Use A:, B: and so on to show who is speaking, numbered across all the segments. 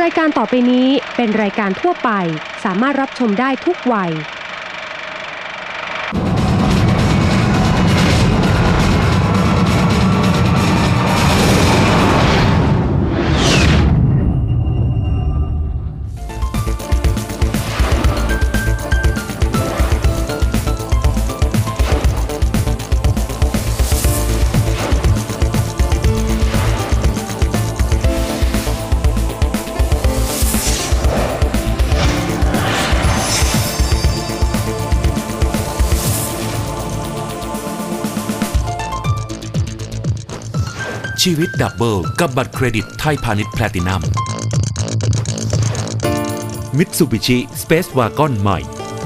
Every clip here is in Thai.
A: รายการต่อไปนี้เป็นรายการทั่วไปสามารถรับชมได้ทุกวัย
B: ชีวิตดับเบิลกับบัตรเครดิตไทยพาณิชย์แพลตินัมมิตซูบิชิสเปซวากอนใหม่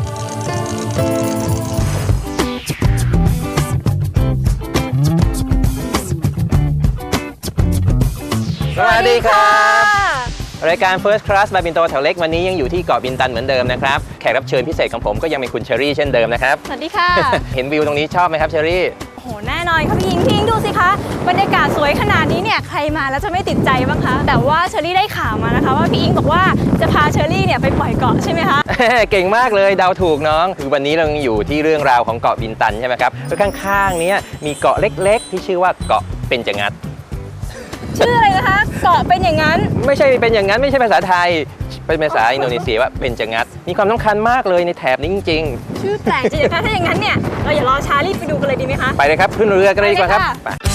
C: สวัสดีครับรายการ First Class บาบินโตแถวเล็กวันนี้ยังอยู่ที่เกาะบินตันเหมือนเดิมนะครับแขกรับเชิญพิเศษของผมก็ยังเป็นคุณเชอรี่เช่นเดิมนะครับ
D: สวัสดีค่ะ
C: เห็นวิวตรงนี้ชอบไหมครับเชอรี่
D: โอ้โหแน่นอนค่ะพี่ยิงดูสิคะบรรยากาศสวยขนาดนี้เนี่ยใครมาแล้วจะไม่ติดใจบ้างคะแต่ว่าเชอรี่ได้ข่าวมานะคะว่าพี่อิงบอกว่าจะพาเชอรี่เนี่ยไปปล่อยเกาะใช่ไหมคะ
C: เก่งมากเลยเดาถูกน้องคือวันนี้เราอยู่ที่เรื่องราวของเกาะบินตันใช่ไหมครับแล้วข้างๆนี้มีเกาะเล็กๆที่ชื่อว่าเกาะเบญจงัด
D: ชื่ออะไรนะคะเกาะเป็นอย่างนั้น
C: ไม่ใช่เป็นอย่างนั้นไม่ใช่ภาษาไทยเป็นภาษาอินโดนีเซียว่าเบญจงัดมีความสำคัญมากเลยในแถบนี้จริง
D: ๆชื่อแปลกจริงๆถ้าอย่างนั้นเนี่ยเราอย่ารอช้ารีบไปดูกันเลยดีไหมคะ
C: ไปเลยครับขึ้นเรือกันเลยดีกว่าครับ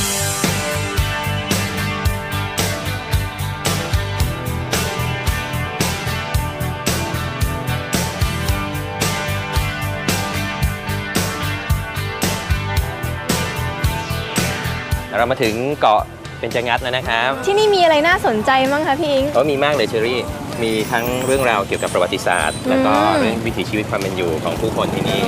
C: เรามาถึงเกาะเบญจงัดแล้วนะครับ
D: ที่นี่มีอะไรน่าสนใจมั้งคะพี่อิง
C: มีมากเลยเชอรี่มีทั้งเรื่องราวเกี่ยวกับประวัติศาสตร์แล้วก็เรื่องวิถีชีวิตความเป็นอยู่ของผู้คนที่นี่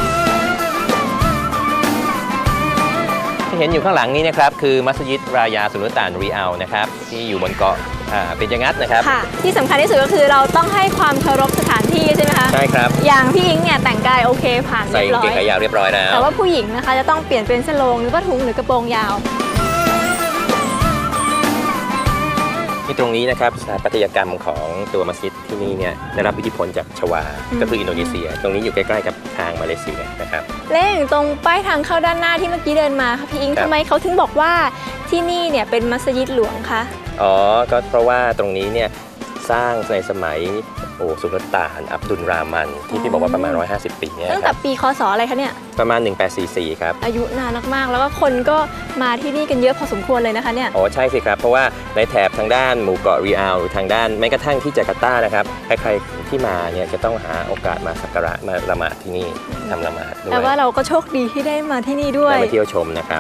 C: ที่เห็นอยู่ข้างหลังนี้นะครับคือมัสยิดรายาสุลต่านรีอัลนะครับที่อยู่บนเกาะเบญจงัดนะครับ
D: ค่ะที่สำคัญที่สุดก็คือเราต้องให้ความเคารพสถานที่ใช่ไหมคะ
C: ใช่ครับ
D: อย่างพี่อิงเนี่ยแต่งกายโอเคผ่าน
C: เรียบร้อยใส่กางเกงขายาวเรียบร้อยแล้ว
D: แต่ว่าผู้หญิงนะคะจะต้องเปลี่ยนเป็นสโลงหรือว่าถุงหรือกระโปรงยาว
C: ที่ตรงนี้นะครับสถาปัตยกรรมของตัวมัสยิดที่นี่เนี่ยได้รับอิทธิพลจากชวาก็คืออินโดนีเซียตรงนี้อยู่ใกล้ๆกับทางมาเลเซียนะครับ
D: เล่งตรงป้ายทางเข้าด้านหน้าที่เมื่อกี้เดินมาค่ะพี่อิงทำไมเขาถึงบอกว่าที่นี่เนี่ยเป็นมัสยิดหลวงคะ
C: ก็เพราะว่าตรงนี้เนี่ยสร้างในสมัยสุลต่านอับดุลรามันที่พี่บอกว่าประมาณ150ปีเนี่ย
D: ตั้งแต่ปีคศอะไรคะเนี่ย
C: ประมาณ1844ครับ
D: อายุนานมากๆแล้วก็คนก็มาที่นี่กันเยอะพอสมควรเลยนะคะเนี่ย
C: ใช่สิครับเพราะว่าในแถบทางด้านหมู่เกาะรีอัลหรือทางด้านแม้กระทั่งที่จาการ์ตานะครับใครๆที่มาเนี่ยจะต้องหาโอกาสมาสักการะมาละหมาดที่นี่ทำละหมาดด้วย
D: แต่ว่าเราก็โชคดีที่ได้มาที่นี่ด้วย
C: ได้มาเที่ยวชมนะครับ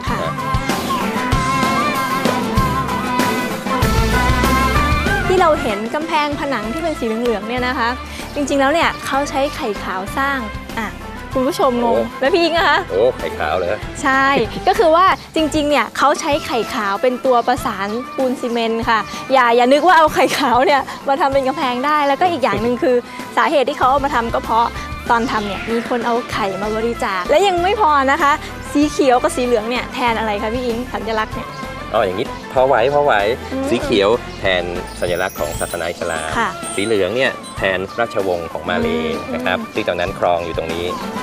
D: ที่เราเห็นกำแพงผนังที่เป็นสีเหลืองๆเนี่ยนะคะจริงๆแล้วเนี่ยเขาใช้ไข่ขาวสร้างคุณผู้ชมงงแล้วพี่อิงนะคะ
C: ไข่ขาวเลย
D: ใช่ก็คือว่าจริงๆเนี่ยเขาใช้ไข่ขาวเป็นตัวประสานปูนซีเมนต์ค่ะอย่านึกว่าเอาไข่ขาวเนี่ยมาทำเป็นกำแพงได้แล้วก็อีกอย่างหนึ่งคือสาเหตุที่เขาเอามาทำก็เพราะตอนทำเนี่ยมีคนเอาไข่มาบริจาคและยังไม่พอนะคะสีเขียวกับสีเหลืองเนี่ยแทนอะไรคะพี่อิงสัญลักษณ์เนี่ย
C: อย่างนี้พอไหวสีเขียวแทนสัญลักษณ์ของศาสนาอิสลามสีเหลืองเนี่ยแทนราชวงศ์ของมาเลย์นะครับที่ตอนนั้นครองอยู่ตรงนี้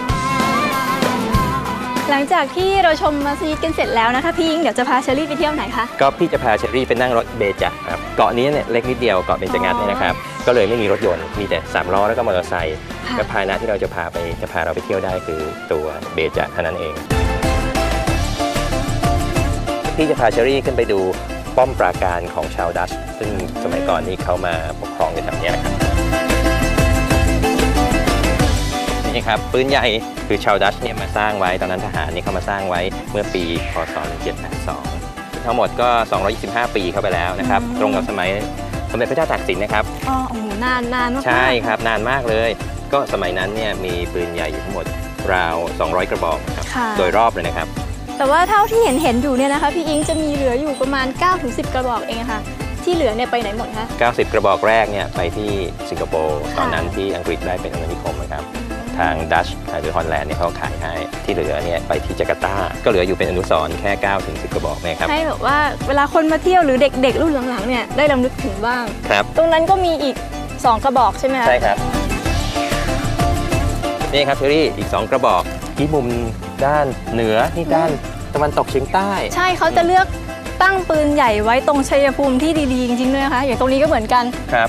D: หลังจากที่เราชมมัสยิดกันเสร็จแล้วนะคะพี่อิงเดี๋ยวจะพาเชอรี่ไปเที่ยวไหนคะ
C: ก็พี่จะพาเชอรี่ไปนั่งรถเบญจครับเกาะนี้เนี่ยเล็กนิดเดียวเกาะเบญจงัดเนี่ยนะครับก็เลยไม่มีรถยนต์มีแต่3ล้อแล้วก็มอเตอร์ไซค์และพาหนะที่เราจะพาเราไปเที่ยวได้คือตัวเบญจเท่านั้นเองพี่จะพาเชอรี่ขึ้นไปดูป้อมปราการของชาวดัชซึ่งสมัยก่อนนี้เขามาปกครองในแถบนี้นะครับนี่ครับปืนใหญ่คือชาวดัชเนี่ยมาสร้างไว้ตอนนั้นทหารนี่เขามาสร้างไว้เมื่อปีพ.ศ. 1782ทั้งหมดก็225 ปีเข้าไปแล้วนะครับตรงกับสมัยสมเด็จพระเจ้าตากสินนะครับ
D: นานมาก
C: ใช่ครับนานมากเลยก็สมัยนั้นเนี่ยมีปืนใหญ่อยู่ทั้งหมดราว200 กระบอกครับโดยรอบเลยนะครับ
D: แต่ว่าเท่าที่เห็นอยู่เนี่ยนะคะพี่อิงจะมีเหลืออยู่ประมาณ 9-10 กระบอกเองค่ะที่เหลือเนี่ยไปไหนหมดคะ
C: 90 กระบอกแรกเนี่ยไปที่สิงคโปร์ตอนนั้นที่อังกฤษได้เป็นอาณานิคมนะครับทางดัชหรือฮอลแลนด์เนี่ยเขาขายให้ที่เหลือเนี่ยไปที่จาการ์ตาก็เหลืออยู่เป็นอนุสรณ์แค่ 9-10 กระบอกนะครับ
D: ให้แบบว่าเวลาคนมาเที่ยวหรือเด็กๆรุ่นหลังๆเนี่ยได้รำลึกถึงบ้าง
C: ครับ
D: ตรงนั้นก็มีอีก2 กระบอกใช่ไหมคะ
C: ใช่ครับนี่ครับเชอรี่อีก2 กระบอกที่มุมด้านเหนือนี่ด้านตะวันตกเฉียงใต้
D: ใช่เขาจะเลือกตั้งปืนใหญ่ไว้ตรงชัยภูมิที่ดีๆจริงๆด้วยนะคะอย่างตรงนี้ก็เหมือนกัน
C: ครับ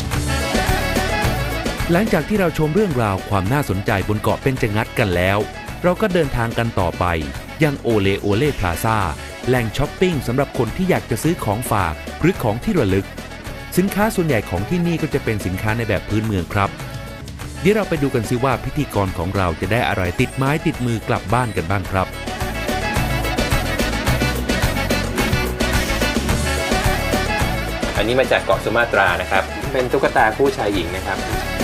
B: หลังจากที่เราชมเรื่องราวความน่าสนใจบนเกาะเบญจงัดกันแล้ว เราก็เดินทางกันต่อไปยังโอเลโอเล่พลาซ่าแหล่งช้อปปิ้งสำหรับคนที่อยากจะซื้อของฝากหรือของที่ระลึกสินค้าส่วนใหญ่ของที่นี่ก็จะเป็นสินค้าในแบบพื้นเมืองครับเดี๋ยวเราไปดูกันซิว่าพิธีกรของเราจะได้อะไรติดไม้ติดมือกลับบ้านกันบ้างครับ
C: อันนี้มาจากเกาะสุมาตรานะครับเป็นตุ๊กตาคู่ชายหญิงนะครับ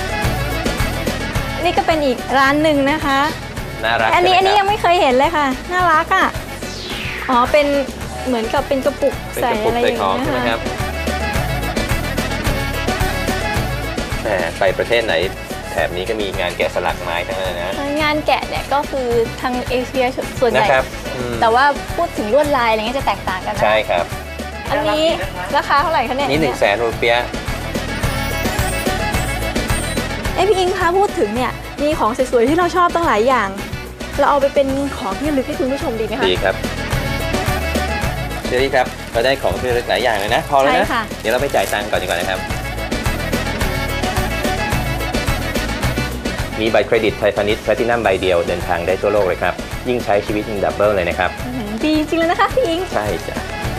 D: นี่ก็เป็นอีกร้านหนึ่งนะคะ
C: น่ารัก
D: อันนี้
C: ใช่ไหมครับ
D: ยังไม่เคยเห็นเลยค่ะน่ารักอ่ะอ๋อเป็นเหมือนกับเป็นกระปุก
C: เป็น
D: ใส่
C: กระปุ
D: อะ
C: ก
D: ไรอ
C: ใส่
D: ย่าง
C: ของ
D: เงี้ย
C: ใช่ไหมครับแหมไปประเทศไหนแถบนี้ก็มีงานแกะสลักไม้ทั้งนั้นนะ
D: งานแกะเนี่ยก็คือทางเอเชียส่วนใหญ่
C: นะครับ
D: แต่ว่าพูดถึงลวดลายอะไรเงี้ยจะแตกต่างกันนะ
C: ใช่ครับ
D: อันนี้ราคาเท่าไหร่คะเนี่ย
C: นี่100,000 รูเปีย
D: พี่อิงคะพูดถึงเนี่ยมีของสวยๆที่เราชอบตั้งหลายอย่าง เราเอาไปเป็นของที่ระลึกให้คุณผู้ชมดีไหมคะ
C: ดีครับเชอรี่ครับเราได้ของที่ระลึกหลายอย่างเลยนะพอแล้วนะ
D: ใช่ค่ะ
C: เดี๋ยวเราไปจ่ายตังค์ก่อนดีกว่านะครับมีบัตรเครดิตไทยพาณิชย์แพลตินัมใบเดียวเดินทางได้ทั่วโลกเลยครับยิ่งใช้ชีวิตยิ่งดับเบิลเลยนะครับ
D: ดีจริงๆเลยนะคะพี่อิง
C: ใช่จ้ะ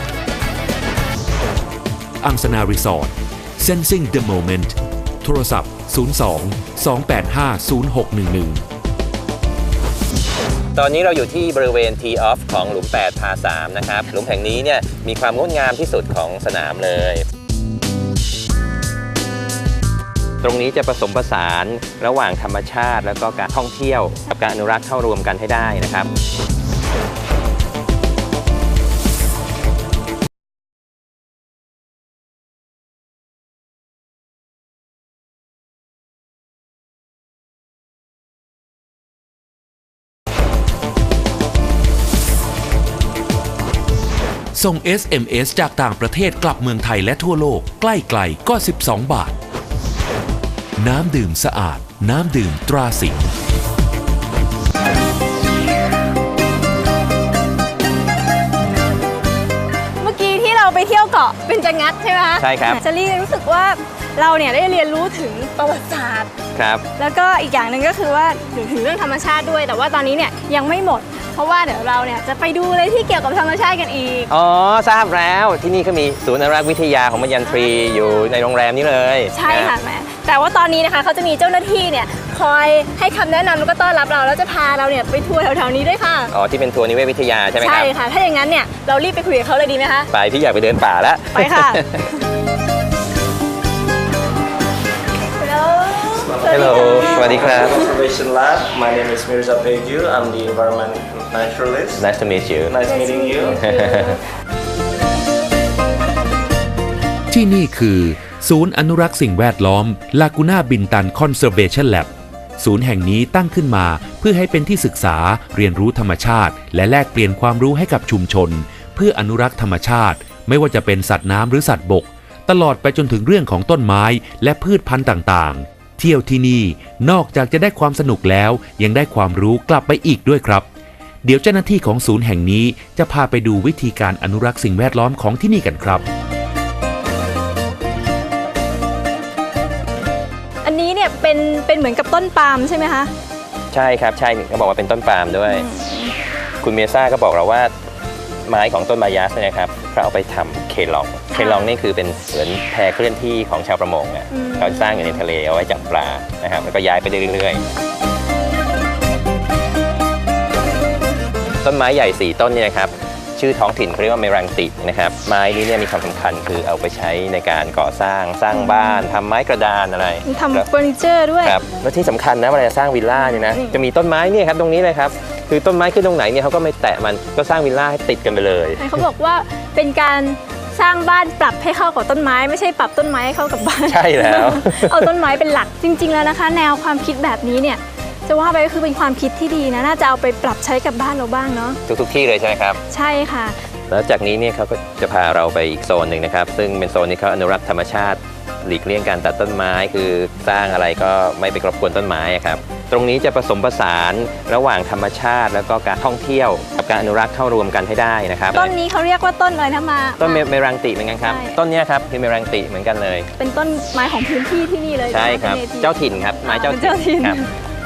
B: อังสนารีสอร์ท Sensing the Moment โทรศัพท์ 02-285-0611
C: ตอนนี้เราอยู่ที่บริเวณ Tee Off ของหลุม 8 พา 3 นะครับ หลุมแห่งนี้เนี่ยมีความงดงามที่สุดของสนามเลย ตรงนี้จะผสมผสานระหว่างธรรมชาติแล้วก็การท่องเที่ยวกับการอนุรักษ์เข้ารวมกันให้ได้นะครับ
B: ส่ง SMS จากต่างประเทศกลับเมืองไทยและทั่วโลกใกล้ๆก็12 บาท น้ำดื่มสะอาดน้ำดื่มตราสิงห์
D: เมื่อกี้ที่เราไปเที่ยวเกาะเบญจงัดใช่ไหมคะ
C: ใช่ครับ
D: เจลลี่รู้สึกว่าเราเนี่ยได้เรียนรู้ถึงประวัติศาสตร์
C: ครับ
D: แล้วก็อีกอย่างหนึ่งก็คือว่าถึงเรื่องธรรมชาติด้วย แต่ว่าตอนนี้เนี่ยยังไม่หมด เพราะว่าเดี๋ยวเราเนี่ยจะไปดูอะไรที่เกี่ยวกับธรรมชาติกันอีก
C: อ๋อ ทราบแล้วที่นี่ก็มีศูนย์อนุรักษ์วิทยาของมัญญันทรีอยู่ในโรงแรมนี้เลย
D: ใช่ค่ะ
C: น
D: แม่แต่ว่าตอนนี้นะคะเขาจะมีเจ้าหน้าที่เนี่ยคอยให้คำแนะนำแล้วก็ต้อนรับเราแล้วจะพาเราเนี่ยไปทัวร์แถวๆนี้ด้วยค่ะ
C: อ๋อ ที่เป็นทัวร์นิเวศวิทยาใช่ไหมครับ
D: ใช่ค่ะ ถ้าอย่างนั้นเนี่ยเรารีบไปคุยกับเขาเลยดีไหมคะ
C: ไปพี่อยากไปเดินป่าแล้ว
D: ไปค่ะ
C: Hello สวัสดีครับ
E: Conservation Lab. My name is Mirza Pegu. I'm the environment naturalist.
C: Nice to meet you
E: Nice meeting you.
B: ที่นี่คือศูนย์อนุรักษ์สิ่งแวดล้อม Laguna Bintan Conservation Lab ศูนย์แห่งนี้ตั้งขึ้นมาเพื่อให้เป็นที่ศึกษาเรียนรู้ธรรมชาติ และแลกเปลี่ยนความรู้ให้กับชุมชน เพื่ออนุรักษ์ธรรมชาติ ไม่ว่าจะเป็นสัตว์น้ำหรือสัตว์บก ตลอดไปจนถึงเรื่องของต้นไม้และพืชพันธุ์ต่างๆ เที่ยวที่นี่นอกจากจะได้ความสนุกแล้วยังได้ความรู้กลับไปอีกด้วยครับ เดี๋ยวเจ้าหน้าที่ของศูนย์แห่งนี้จะพาไปดูวิธีการอนุรักษ์สิ่งแวดล้อมของที่นี่กันครับ
D: อันนี้เนี่ยเป็นเหมือนกับต้นปาล์มใช่ไหมคะ
C: ใช่ครับ ใช่เขาบอกว่าเป็นต้นปาล์มด้วย คุณเมียซ่าก็บอกเราว่าไม้ของต้นมายาสเนี่ยนะครับเขาเอาไปทำเคลอง เคลองนี่คือเป็นเหมือนแพเคลื่อนที่ของชาวประมงอ่ะเขาสร้างอยู่ในทะเลเอาไว้จับปลานะครับแล้วก็ย้ายไปเรื่อยๆต้นไม้ใหญ่4ต้นเนี่ยนะครับชื่อท้องถิ่นเขาเรียกว่าเมรังตินะครับไม้นี้เนี่ยมีความสำคัญคือเอาไปใช้ในการก่อสร้างบ้านทำไม้กระดานอะไร
D: ทำเฟอร์นิเจอร์ด้วย
C: ครับแล้วที่สำคัญนะเวลาจะสร้างวิลล่าเนี่ยนะจะมีต้นไม้เนี่ยครับตรงนี้เลยครับคือต้นไม้ขึ้นตรงไหนเนี่ยเขาก็ไม่แตะมันก็สร้างวิลล่าให้ติดกันไปเลย
D: เขาบอกว่าเป็นการสร้างบ้านปรับให้เข้ากับต้นไม้ไม่ใช่ปรับต้นไม้ให้เข้ากับบ้าน
C: ใช่แล้ว
D: เอาต้นไม้เป็นหลักจริง ๆแล้วนะคะ แนวความคิดแบบนี้เนี่ยจะว่าไปก็คือเป็นความคิดที่ดีนะน่าจะเอาไปปรับใช้กับบ้านเราบ้างเนาะ
C: ทุกที่เลยใช่ไหมครับ
D: ใช่ค่ะ
C: แล้วจากนี้เนี่ยเขาก็จะพาเราไปอีกโซนหนึ่งนะครับซึ่งเป็นโซนที่เขาอนุรักษ์ธรรมชาติหลีกเลี่ยงการตัดต้นไม้คือสร้างอะไรก็ไม่ไปรบกวนต้นไม้ครับตรงนี้จะผสมผสานระหว่างธรรมชาติแล้วก็การท่องเที่ยวกับการอนุรักษ์เข้ารวมกันให้ได้นะครับ
D: ต้นนี้เขาเรียกว่าต้นอะไรนะมา
C: ต้นเมรังติเหมือนกันครับ
D: ใช่
C: ต้นเนี้ยครับคือเมรังติเหมือนกันเลย
D: เป็นต้นไม้ของพื้นที่ที่นี่เลย
C: ใช่ครับ
D: เป็น native
C: เจ้าถิ่นครับไม้เจ้า
D: เป็นเจ้าถิ่น
C: ครับ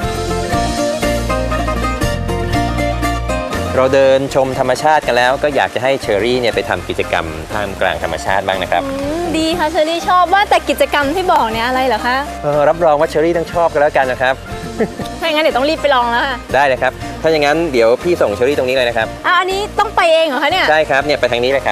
C: เราเดินชมธรรมชาติกันแล้วก็อยากจะให้เชอรี่เนี่ยไปทำกิจกรรมท่ามกลางธรรมชาติบ้างนะครับ
D: ดีค่ะเชอรี่ชอบว่าแต่กิจกรรมที่บอกเนี่ยอะไรเหรอคะ
C: รับรองว่าเชอรี่ต้องชอบกันแล้วกันนะครับ
D: ถ้าอย่างนั้นเดี๋ยวต้องรีบไปลองแล้วค่ะ
C: ได้เลยครับถ้าอย่างนั้นเดี๋ยวพี่ส่งเชอรี่ตรงนี้เลยนะครับ
D: อันนี้ต้องไปเองเหรอคะเนี่ย
C: ใช่ครับเนี่ยไปทางนี้เลยครับ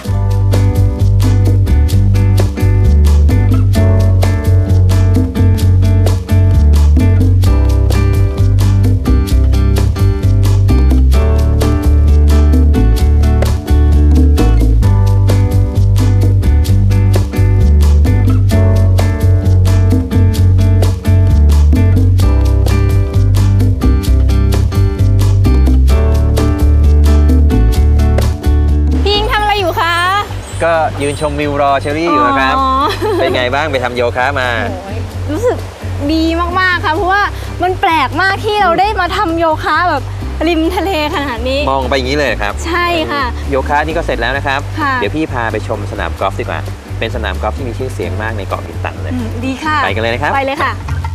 D: พี่อิงทำอะไรอยู่คะ
C: ก็ยืนชมวิวรอเชอรี่อยู่นะครับ
D: อ๋อ
C: เป็นไงบ้างไปทำโยคะมา
D: รู้สึกดีมากๆค่ะเพราะว่ามันแปลกมากที่เราได้มาทำโยคะแบบริมทะเลขนาดนี้
C: มองไปอย่างนี้เลยครับ
D: ใช่ค่ะ
C: โยคะนี่ก็เสร็จแล้วนะครับ
D: ค่ะ
C: เดี๋ยวพี่พาไปชมสนามกอล์ฟดีกว่า เป็นสนามกอล์ฟที่มีชื่อเสียงมากในเกาะบินตันเลย
D: ดีค่ะ
C: ไปกันเลยนะครับ
D: ไปเลยค่ะ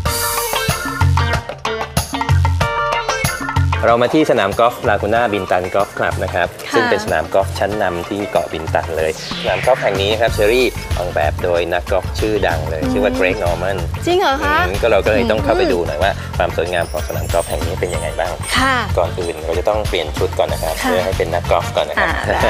C: เรามาที่สนามกอล์ฟลากูน่าบินตันกอล์ฟคลับนะครับ
D: ค่ะ
C: ซึ่งเป็นสนามกอล์ฟชั้นนำที่เกาะบินตันเลย สนามกอล์ฟแห่งนี้นะครับเชอรี่ออกแบบโดยนักกอล์ฟชื่อดังเลย ชื่อว่าเกรกนอร์มัน
D: จริงเหรอคะ
C: ก็เราก็เลยต้องเข้าไปดูหน่อยว่าความสวยงามของสนามกอล์ฟแห่งนี้เป็นยังไงบ้าง
D: ค่ะ
C: ก่อนอื่นเราจะต้องเปลี่ยนชุดก่อนนะครับ
D: ค่ะ
C: เพื่อให้เป็นนักกอล์ฟก่อนนะครับ
D: ได้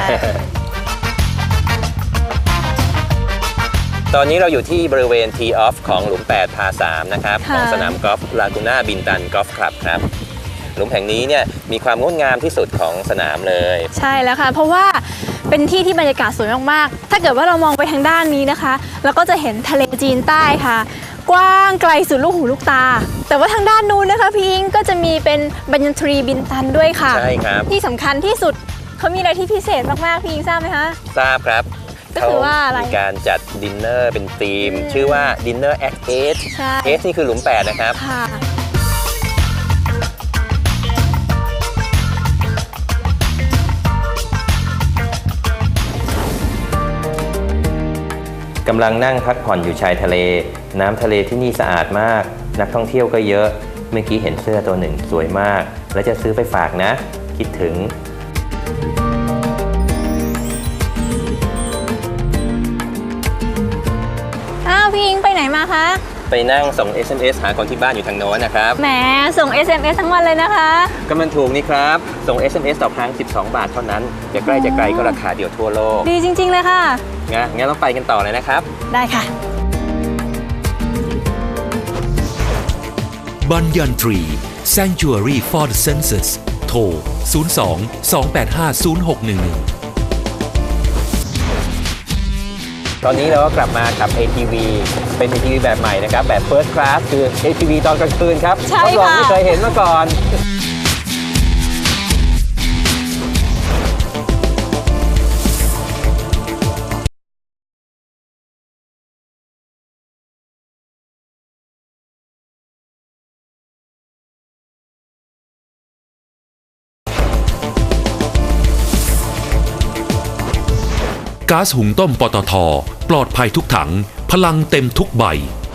C: ตอนนี้เราอยู่ที่บริเวณ Tee Off ของหลุม 8 พา 3 นะครับ
D: ค่ะ
C: ของสนามกอล์ฟลากูน่าบินตันกอล์ฟคลับครับ หลุมแห่งนี้เนี่ยมีความงดงามที่สุดของสนามเลย
D: ใช่แล้วค่ะ เพราะว่าเป็นที่ที่บรรยากาศสวยมากๆ ถ้าเกิดว่าเรามองไปทางด้านนี้นะคะเราก็จะเห็นทะเลจีนใต้ค่ะ กว้างไกลสุดลูกหูลูกตา แต่ว่าทางด้านนู้นนะคะพี่อิงก็จะมีเป็นบัญญัตรีบินตันด้วยค่ะ
C: ใช่ครับ
D: ที่สำคัญที่สุดเขามีอะไรที่พิเศษมากๆพี่อิงทราบไหมคะ
C: ทราบครับ
D: ก็คือว่าอะไร
C: มีการจัดดินเนอร์เป็นธีม ชื่อว่า Dinner at 8
D: ใช่
C: 8 นี่คือหลุม 8 นะครับ
D: ค่ะ
C: กำลังนั่งพักผ่อนอยู่ชายทะเล น้ำทะเลที่นี่สะอาดมาก นักท่องเที่ยวก็เยอะ เมื่อกี้เห็นเสื้อตัวหนึ่งสวยมาก แล้วจะซื้อไปฝากนะ คิดถึง
D: อ้าวพี่อิงไปไหนมาคะ
C: ไปนั่งส่ง SMS หาคนที่บ้านอยู่ทางโน้นนะครับ
D: แหมส่ง SMS ทั้งวันเลยนะคะ
C: ก็มันถูกนี่ครับ ส่ง SMS ต่อครั้ง 12 บาทเท่านั้น จะใกล้จะไกลก็ราคาเดียวทั่วโลก
D: ดีจริง ๆ เลยค่ะ
C: งั้นเราไปกันต่อเลยนะครับ
D: ได้ค่ะ
B: บัญญันทรี Sanctuary for the Senses โทร 02 285 0611
C: ตอนนี้เราก็กลับมากับ ATV เป็น ATV แบบใหม่นะครับ แบบ First Class คือ ATV ตอนกลางคืนครับ
D: ใช่
C: ทดลอง
D: ค่ะ
C: ไม่เคยเห็นมาก่อน
B: ก๊าซหุงต้มปตท. ปลอดภัยทุกถัง พลังเต็มทุกใบ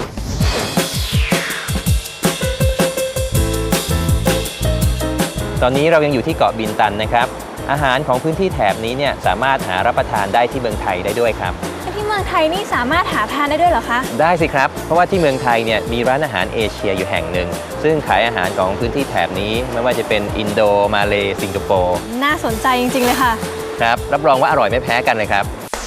C: ตอนนี้เรายังอยู่ที่เกาะบินตันนะครับ อาหารของพื้นที่แถบนี้เนี่ยสามารถหารับประทานได้ที่เมืองไทยได้ด้วยครับ
D: ที่เมืองไทยนี่สามารถหาทานได้ด้วยเหรอคะ
C: ได้สิครับ เพราะว่าที่เมืองไทยเนี่ยมีร้านอาหารเอเชียอยู่แห่งหนึ่ง ซึ่งขายอาหารของพื้นที่แถบนี้ไม่ว่าจะเป็นอินโด มาเลสิงคโปร์
D: น่าสนใจจริง ๆ เลยค่ะ
C: ครับ รับรองว่าอร่อยไม่แพ้กันเลยครับ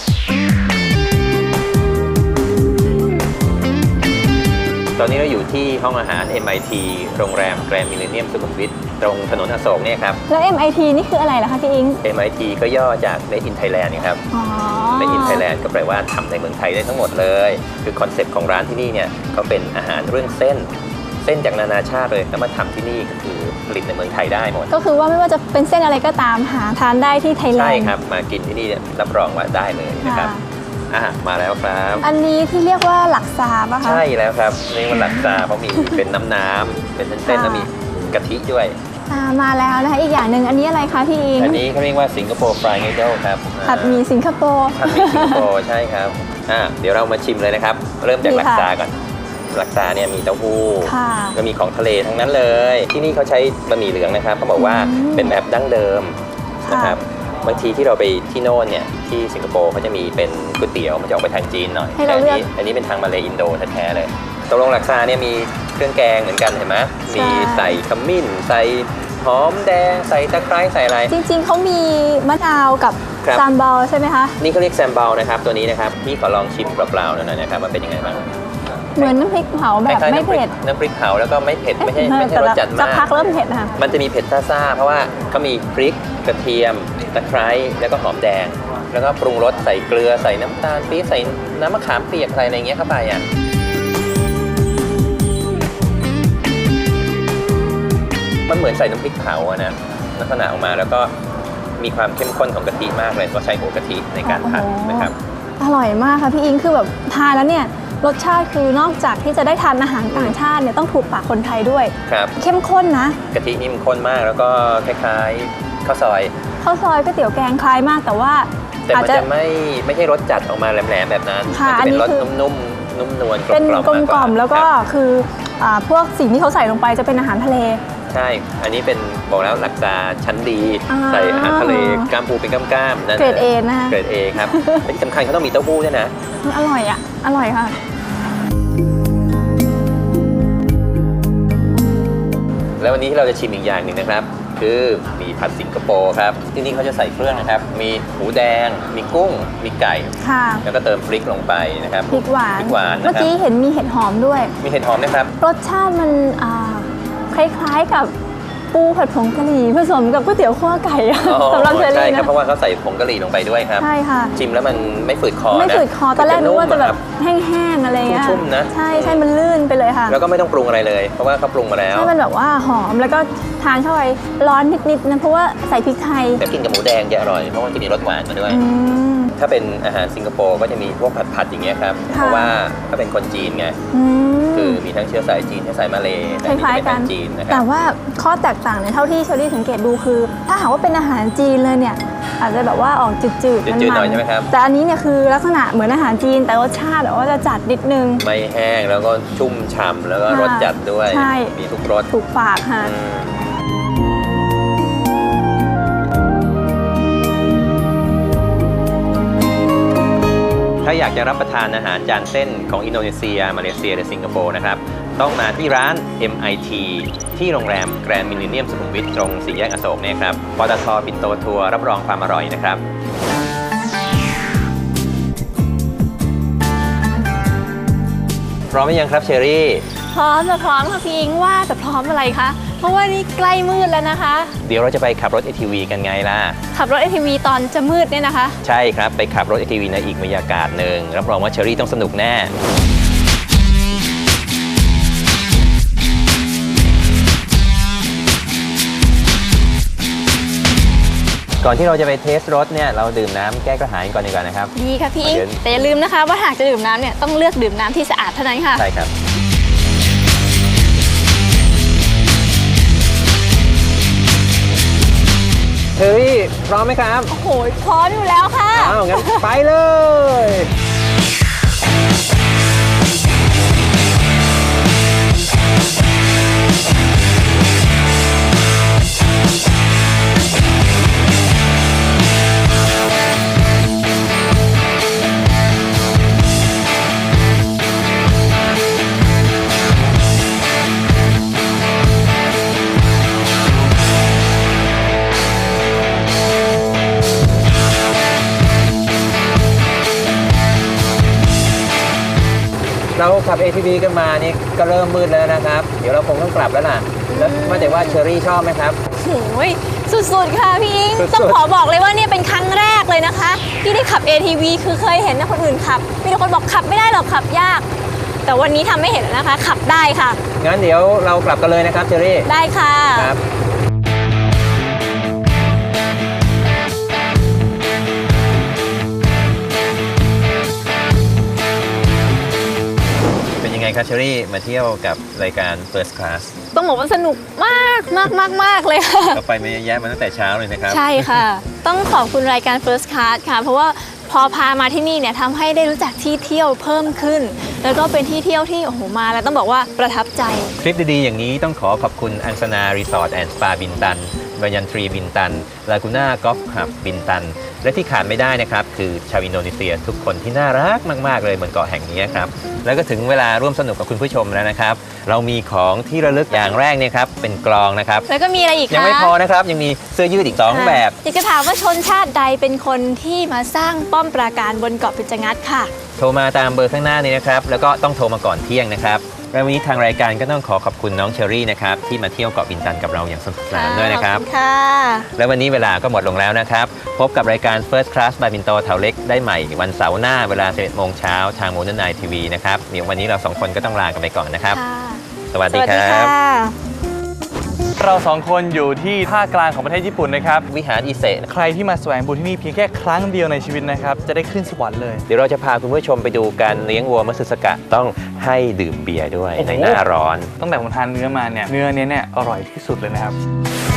C: ตอนนี้เราอยู่ที่ห้องอาหาร MIT โรงแรมแกรนด์มิลเลนเนียมสุขุมวิทตรงถนนอโศกเนี่ยครับ
D: แล้ว MIT นี่คืออะไรล่ะคะพี่อิง
C: MIT ก็ย่อจาก Made in Thailand นะครับ
D: อ๋อ
C: Made in Thailand ก็แปลว่าทำในเมืองไทยได้ทั้งหมดเลย คือคอนเซ็ปต์ของร้านที่นี่เนี่ยเขาเป็นอาหารเรื่องเส้นเส้นจากนานาชาติเลยแล้วมาทำที่นี่ก็คือผลิตในเมืองไทยได้หมด
D: ก็คือว่าไม่ว่าจะเป็นเส้นอะไรก็ตามหาทานได้ที่ไทยแลนด์
C: ใช่ครับมากินที่นี่รับรองว่าได้เลยนะครับ มาแล้วครับ
D: อันนี้ที่เรียกว่าหลักซาป่ะคะ
C: ใช่แล้วครับนี่มันหลักซาเพราะมีเป็นน้ำเป็นเส้นๆแล้วมีกะทิด้วย
D: มาแล้วนะคะอีกอย่างหนึ่งอันนี้อะไรคะพี่อิง
C: อันนี้เขาเรียกว่าสิงคโปร์ฟรายนูโดลครับ
D: ผัดหมี่สิงคโปร์
C: ผัดหมี่สิงคโปร์ใช่ครับเดี๋ยวเรามาชิมเลยนะครับ เริ่มจาก
D: ดี
C: หลัก
D: ค่ะ
C: ซาก่อนหลักซาเนี่ยมีเต้าหู้
D: ค่ะ
C: ก็มีของทะเลทั้งนั้นเลย ที่นี่เขาใช้บะหมี่เหลืองนะครับเขาบอกว่าเป็นแบบดั้งเดิมนะครับบางทีที่เราไปที่โน่นเนี่ยที่สิงคโปร์เขาจะมีเป็นก๋วยเตี๋ยวมันจะออกไปทางจีนหน่อย
D: ให้
C: แต่
D: เราเลือก
C: อันนี้เป็นทางมาเลอินโดแท้ๆเลยตกลงหลักซาเนี่ยมีเครื่องแกงเหมือนกันเห็นไหมมีใส่ขมิ้นใส่หอมแดงใส่ตะไคร้ใส่อะไร
D: จริงๆเขามีมะนาวกับ
C: ครับ
D: ซามบอลใช่ไหมคะ
C: นี่เขาเรียกแซมเบลนะครับตัวนี้นะครับพี่ขอลองชิมเปล่าๆหน่อยนะครับว่าเป็นยังไงบ้าง
D: เหมือนน้ำพริกเผาแบบ
C: คล้ายๆ
D: ไม่เผ็ด
C: น้ำพริกเผาแล้วก็ไม่เผ็ดไม่ใช่รสจัด
D: สั
C: มาก ก
D: พักเริ่มเผ็ดนะคะ
C: มันจะมีเผ็ดซ่าๆเพราะว่าเขามีพริกกระเทียมตะไคร้แล้วก็หอมแดง แล้วก็ปรุงรสใส่เกลือใส่น้ำตาลปี๊บใส่น้ำมะขามเปียกอะไรอย่างเงี้ยเข้าไปอ่ะมันเหมือนใส่น้ำพริกเผาอะนะลักษณะออกมาแล้วก็มีความเข้มข้นของกะทิมากเลยเพราะใช้หัวกะทิในการผัดนะครับ
D: อร่อยมากค่ะพี่อิงคือแบบทานแล้วเนี่ยรสชาติคือนอกจากที่จะได้ทานอาหารต่างชาติเนี่ยต้องถูกปากคนไทยด้วย
C: ครับ
D: เข้มข้นนะ
C: กะทินี่มันข้นมากแล้วก็คล้ายๆข้าวซอย
D: ข้าวซอยก๋วยเตี๋ยวแกงคล้ายมากแต่ว่า
C: แต่
D: อาจ
C: มัน
D: จะ
C: จะไม่ใช่รสจัดออกมาแหลมๆแบบนั้น
D: ค่ะ
C: มัจะเป็นรส
D: อันนี้คือ
C: นุ่มๆนุ่มนวลกล
D: เป็น
C: มๆ
D: กลมกล่อม
C: ากา
D: แล้วก็
C: ครับ
D: คือพวกสิ่งที่เขาใส่ลงไปจะเป็นอาหารทะเล
C: ใช่ อันนี้เป็นบอกแล้วหลักซาชั้นดี
D: อ่า
C: ใส่อาหารทะเลกล้ามปูเป็นกล้ามๆนั่น
D: เกรด A นะคะ
C: เกรด A ครับและที่สำคัญเขาต้องมีเต้าหู้ด้วยนะ
D: อร่อยอ่ะอร่อยค่ะ
C: แล้ววันนี้ที่เราจะชิมอีกอย่างหนึ่งนะครับ คือมีผัดสิงคโปร์ครับที่นี่เขาจะใส่เครื่องนะครับ มีหมูแดง มีกุ้ง มีไก่
D: ค่ะ
C: แล้วก็เติมพริกลงไปนะครับ
D: พริกหวาน
C: พริกหวาน
D: เมื่
C: นะ
D: อ
C: ครับ
D: กี้เห็นมีเห็ดหอมด้วย
C: มีเห็ดหอมนะครับ
D: รสชาติมันคล้ายๆกับปูผัดผงกะหรี่ผสมกับก๋วยเตี๋ยวคั่วไก่อะ
C: อ๋อ
D: สำหรับเชอ
C: ใช่
D: รี่
C: ครับ
D: นะ
C: เพราะว่าเขาใส่ผงกะหรี่ลงไปด้วยครับ
D: ใช่ค่ะ
C: ชิมแล้วมันไม่ฝืดคอนะ
D: ไม่ฝืดคอตอนแรกนึกว่าจะแบบ
C: ม
D: แห้งๆอะไรเงี้ย
C: ชุ่มๆนะ
D: ใช่ใช่มันลื่นไปเลยค่ะ
C: แล้วก็ไม่ต้องปรุงอะไรเลย เพราะว่าเขาปรุงมาแล้ว
D: ใช่มันแบบว่าหอมแล้วก็ทานเข้าไปร้อนนิดๆนะเพราะว่าใส่พริกไทย
C: แต่กินกับหมูแดงจะอร่อย เพราะว่าจะมีรสหวานมาด้วย
D: อืม
C: ถ้าเป็นอาหารสิงคโปร์ก็จะมีพวกผัดๆอย่างเงี้ยครับ
D: ค่ะ
C: เพราะว่าเขาเป็นคนจีนไง
D: อืม
C: คือมีทั้งเชื้อสายจีนเชื้อสายมาเลย์
D: คล้ายๆกัน
C: แต่จีนนะค
D: แต่
C: รับ
D: ว่าข้อแตกต่างเนี่ยเท่าที่เชอรี่สังเกตดูคือ ถ้าหากว่าเป็นอาหารจีนเลยเนี่ยอาจจะแบบว่าออกจืดๆ
C: จืดๆ
D: มั
C: หน่อยใช่ไหมครับ
D: แต่อันนี้เนี่ยคือลักษณะเหมือนอาหารจีนแต่รสชาติแบบว่าจะจัดนิดนึง
C: ไม่แห้งแล้วก็ชุ่มฉ่ำแล้วก็
D: ค่ะ
C: รสจัดด้วย
D: ใช่
C: มีทุกรส
D: ถูกปากค่ะ
C: อืมถ้าอยากจะรับประทานอาหารจานเส้นของอินโดนีเซีย มาเลเซียหรือสิงคโปร์นะครับ ต้องมาที่ร้าน MIT ที่โรงแรมแกรนด์มิลเลนเนียมสุขุมวิทตรงสี่แยกอโศกเนี่ยครับปตทปิ่นโตทัวร์รับรองความอร่อยนะครับ พร้อมหรือยังครับเชอรี่
D: พร้อมค่ะพี่อิงว่าแต่พร้อมอะไรคะเพราะว่านี่ใกล้มืดแล้วนะคะ
C: เดี๋ยวเราจะไปขับรถ ATV กันไงล่ะ
D: ขับรถ ATV ตอนจะมืดเนี่ยนะคะ
C: ใช่ครับ ไปขับรถ ATV ในอีกบรรยากาศหนึ่งรับรองว่าเชอรี่ต้องสนุกแน่ ก่อนที่เราจะไปเทสรถเนี่ยเราดื่มน้ำแก้กระหายก่อนดีกว่านะครับ
D: ดีค่ะพี่อิง
C: เดี๋ยว
D: แต่อย่าลืมนะคะว่าหากจะดื่มน้ำเนี่ยต้องเลือกดื่มน้ำที่สะอาดเท่านั้นค่ะ
C: ใช่ครับ เชอรี่พร้อมไหมครับ
D: โอ้โหพร้อมอยู่แล้วค่ะ
C: อ้าวงั้นไปเลย เราขับ ATV กันมานี่ก็เริ่มมืดแล้วนะครับ เดี๋ยวเราคงต้องกลับแล้วล่ะ แล้วว่าแต่ว่าเชอรี่ชอบไหมครับ
D: โอ้ยสุดๆค่ะพี่อิง
C: สุดๆ
D: ต้องขอบอกเลยว่าเนี่ยเป็นครั้งแรกเลยนะคะ ที่ได้ขับ ATV คือเคยเห็นนะคนอื่นขับ มีแต่คนบอกขับไม่ได้หรอกขับยากแต่วันนี้ทำไม่เห็นแล้วนะคะ ขับได้ค่ะ
C: งั้นเดี๋ยวเรากลับกันเลยนะครับเชอรี่
D: ได้ค่ะ
C: ครับเป็นยังไงครับเชอรี่มาเที่ยวกับรายการ First Class
D: ต้องบอกว่าสนุกมากเลยค่ะ
C: เราไปมาเยอะแยะมาตั้งแต่เช้าเลยนะครับ
D: ใช่ค่ะ ต้องขอบคุณรายการ First Class ค่ะ เพราะว่าพอพามาที่นี่เนี่ยทำให้ได้รู้จักที่เที่ยวเพิ่มขึ้น แล้วก็เป็นที่เที่ยวที่โอ้โหมาแล้วต้องบอกว่าประทับใจ
C: คลิปดีๆอย่างนี้ต้องขอขอบคุณอังสนารีสอร์ทแอนด์สปาบินตันบายันทรีบินตันลากูน่ากอล์ฟคลับบินตัน และที่ขาดไม่ได้นะครับคือชาวอินโดนีเซียทุกคนที่น่ารักมากๆเลยบนเกาะแห่งนี้ครับแล้วก็ถึงเวลาร่วมสนุกกับคุณผู้ชมแล้วนะครับเรามีของที่ระลึกอย่างแรกเนี่ยครับเป็นกลองนะครับ
D: แล้วก็มีอะไรอีกคะ
C: ยังไม่พอนะครับยังมีเสื้อยืดอีก2แบบ
D: อยากจะถามว่าชนชาติใดเป็นคนที่มาสร้างป้อมปราการบนเกาะเป็ดจงัดค่ะ
C: โทรมาตามเบอร์ข้างหน้านี้นะครับแล้วก็ต้องโทรมาก่อนเที่ยงนะครับและวันนี้ทางรายการก็ต้องขอบคุณน้องเชอรี่นะครับที่มาเที่ยวเกาะบินตันกับเราอย่างสนุกสนานด้วยนะครับ
D: ขอบคุณค่ะ
C: และวันนี้เวลาก็หมดลงแล้วนะครับพบกับรายการ First Class บายบินโตเถาเล็กได้ใหม่วันเสาร์หน้าเวลา 11 โมงเช้าทางโมเดิร์นไนท์ทีวีนะครับเดี๋ยววันนี้เรา2คนก็ต้องลากันไปก่อนนะครับ
D: ค่ะ
C: สวัส
D: ส
C: ดี
D: วัส
C: ค
D: ดี
C: รั
D: ค่ะ
C: บ
F: เราสองคนอยู่ที่ภาคกลางของประเทศญี่ปุ่นนะครับ
C: วิหารอิเซะ
F: ใครที่มาแสวงบุญที่นี่เพียงแค่ครั้งเดียวในชีวิตนะครับ จะได้ขึ้นสวรรค์เลย
C: เดี๋ยวเราจะพาคุณผู้ชมไปดูการเลี้ยงวัวมัตสึสกะต้องให้ดื่มเบียร์ด้วย
F: โอ้โห
C: ในหน้าร้อน
F: ตั้งแต่ผมทานเนื้อมาเนี่ย เนื้อเนี้ยอร่อยที่สุดเลยนะครับ